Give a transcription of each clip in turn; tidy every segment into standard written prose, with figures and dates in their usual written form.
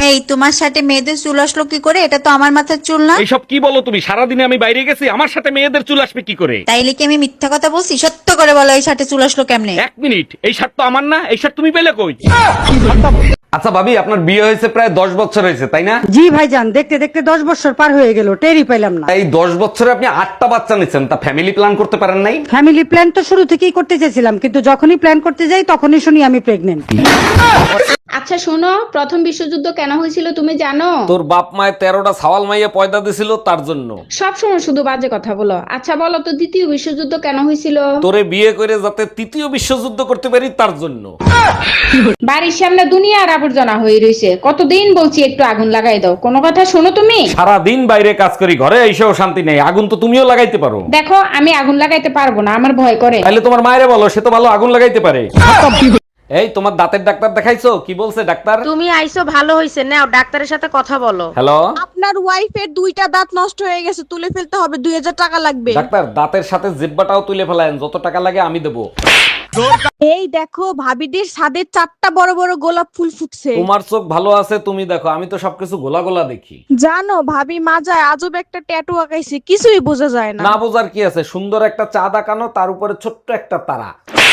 এই তোমার সাথে মেয়েদের চুল আসলো কি করে? এটা তো আমার মাথার চুল না। এইসব কি বলো তুমি? সারাদিনে আমি বাইরে গেছি, আমার সাথে মেয়েদের চুল আসবে কি করে? তাইলে কি আমি মিথ্যা কথা বলছি? সত্য করে বলো, এই সাথে চুল আসলো কেমনে? এক মিনিট, এই শার্ট তো আমার না, এই শার্ট তুমি পেলে কই? আচ্ছা ভাবি, আপনার বিয়ে হয়েছে প্রায় 10 বছর হয়েছে তাই না? জি ভাইজান, দেখতে দেখতে 10 বছর পার হয়ে গেল, টেরই পাইলাম না। এই 10 বছরে আপনি 8টা বাচ্চা নিচ্ছেন, তা ফ্যামিলি প্ল্যান করতে পারেন নাই? ফ্যামিলি প্ল্যান তো শুরু থেকেই করতে চেয়েছিলাম, কিন্তু যখনই প্ল্যান করতে যাই তখনই শুনি আমি প্রেগনেন্ট। আচ্ছা শোনো, প্রথম বিশ্বযুদ্ধ কেন হয়েছিল তুমি জানো? তোর বাপ মায়ের 13টা ছাওয়াল মাইয়া পয়দা দিছিল তার জন্য। সব সময় শুধু বাজে কথা বলো। আচ্ছা বলো তো, দ্বিতীয় বিশ্বযুদ্ধ কেন হয়েছিল? তোরে বিয়ে করে যাতে তৃতীয় বিশ্বযুদ্ধ করতে পারি তার জন্য। বাড়ির সামনে দুনিয়ার আবর্জনা হয়ে রয়েছে, কতদিন বলছি একটু আগুন লাগাই দাও, কোনো কথা শোনো তুমি? সারা দিন বাইরে কাজ করি, ঘরে এসেও শান্তি নেই। আগুন তো তুমিও লাগাইতে পারো। দেখো আমি আগুন লাগাইতে পারবো না, আমার ভয় করে। তাহলে তোমার মায়েরে বলো, সে তো ভালো আগুন লাগাইতে পারে। এই তোমার দাঁতের ডাক্তার দেখাইছো? কি বলছে ডাক্তার? তুমি আইছো ভালো হইছে, নাও ডাক্তারের সাথে কথা বলো। হ্যালো আপনার ওয়াইফের 2টা দাঁত নষ্ট হয়ে গেছে, তুলে ফেলতে হবে, 2000 টাকা লাগবে। ডাক্তার, দাঁতের সাথে জিব্বাটাও তুলে ফেলায়েন, যত টাকা লাগে আমি দেবো। এই দেখো, ভাবিদের ছাদে 4টা বড় বড় গোলাপ ফুল ফুটছে। তোমার চোখ ভালো আছে, তুমি দেখো, আমি তো সবকিছু গোলা গোলা দেখি। জানো ভাবি মাজায় আজব একটা ট্যাটু আঁকাইছে, কিছুই বোঝা যায় না। না বোঝার কি আছে, সুন্দর একটা চাঁদ আঁকানো, তার উপরে ছোট্ট একটা তারা।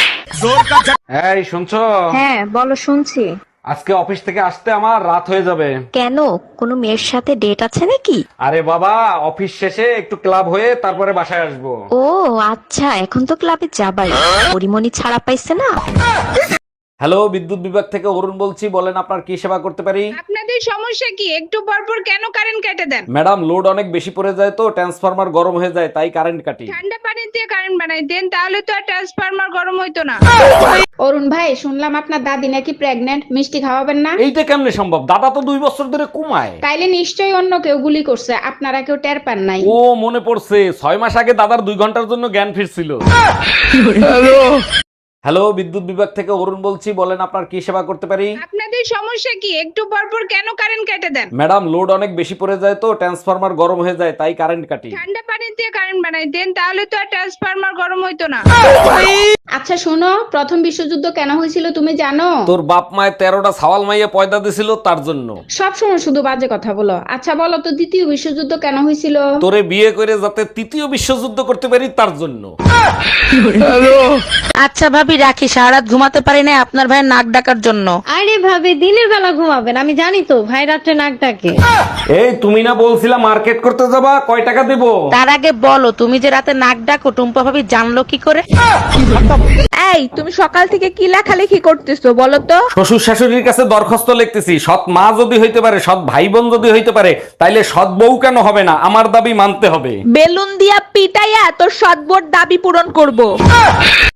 এই শুনছো? হ্যাঁ বলো, শুনছি। আজকে অফিস থেকে আসতে আমার রাত হয়ে যাবে। কেন, কোনো মেয়ের সাথে ডেট আছে নাকি? আরে বাবা, অফিস শেষে একটু ক্লাব হয়ে তারপরে বাসায় আসবো। ও আচ্ছা, এখন তো ক্লাবে যাবাই, পরিমণি ছাড়া পাইছে না। হ্যালো, বিদ্যুৎ বিভাগ থেকে অরুণ বলছি, বলেন আপনার কি সেবা করতে পারি? আপনাদের সমস্যা কি? একটু পরপর কেন কারেন্ট কেটে দেন? ম্যাডাম, লোড অনেক বেশি পড়ে যায় তো ট্রান্সফরমার গরম হয়ে যায়, তাই কারেন্ট কাটি। ঠান্ডা পানি দিয়ে কারেন্ট বানাই দেন, তাহলে তো আর ট্রান্সফরমার গরম হইতো না। অরুণ ভাই, শুনলাম আপনার দাদি নাকি প্রেগনেন্ট, মিষ্টি খাওয়াবেন না? এইটা কেমনে সম্ভব? দাদা তো 2 বছর ধরে ঘুমায়। তাইলে নিশ্চয়ই অন্য কেউ গুলি করছে, আপনারা কেউ টের পান নাই। ও মনে পড়ছে, 6 মাস আগে দাদার 2 ঘন্টার জন্য জ্ঞান ফিরছিল। হ্যালো, বিদ্যুৎ বিভাগ থেকে অরুণ বলছি, বলেন আপনার কি সেবা করতে পারি? আপনাদের সমস্যা কি? একটু পরপর কেন কারেন্ট কেটে দেন? ম্যাডাম, লোড অনেক বেশি পড়ে যায় তো ট্রান্সফরমার গরম হয়ে যায়, তাই কারেন্ট কাটি। ঠান্ডা পানি দিয়ে কারেন্ট বানাই দেন, তাহলে তো আর ট্রান্সফরমার গরম হইতো না। আচ্ছা শোনো, প্রথম বিশ্বযুদ্ধ কেন হয়েছিল তুমি জানো? তোর বাপ মায়ের 13টা ছাওয়াল মাইয়া পয়দা দিছিল তার জন্য। সব সময় শুধু বাজে কথা বলো। আচ্ছা বলো তো, দ্বিতীয় বিশ্বযুদ্ধ কেন হয়েছিল? তোরে বিয়ে করে যাতে তৃতীয় বিশ্বযুদ্ধ করতে পারি তার জন্য। আচ্ছা ভাবি রাখি, সারা রাত ঘুমাতে পারি না আপনার ভাইয়ের নাক ডাকার জন্য। আরে ভাবি, দিনের বেলা ঘুমাবেন, আমি জানি তো ভাই রাত্রে নাক ডাকে। এই তুমি না বলছিলা মার্কেট করতে যাবা, কয় টাকা দেবো? তার আগে বলো, তুমি যে রাতে নাক ডাকো টুম্পা ভাবি জানলো কি করে? এই তুমি সকাল থেকে কি লেখালেখি করতেছো বলো তো? শ্বশুর শাশুড়ির কাছে দরখাস্ত লিখতেছি, সৎ মা যদি হইতে পারে, সৎ ভাই বোন যদি হইতে পারে, তাইলে সৎ বউ কেন হবে না? আমার দাবি মানতে হবে। বেলুন দিয়া পিটাইয়া তোর সদবোর দাবি পূরণ করব।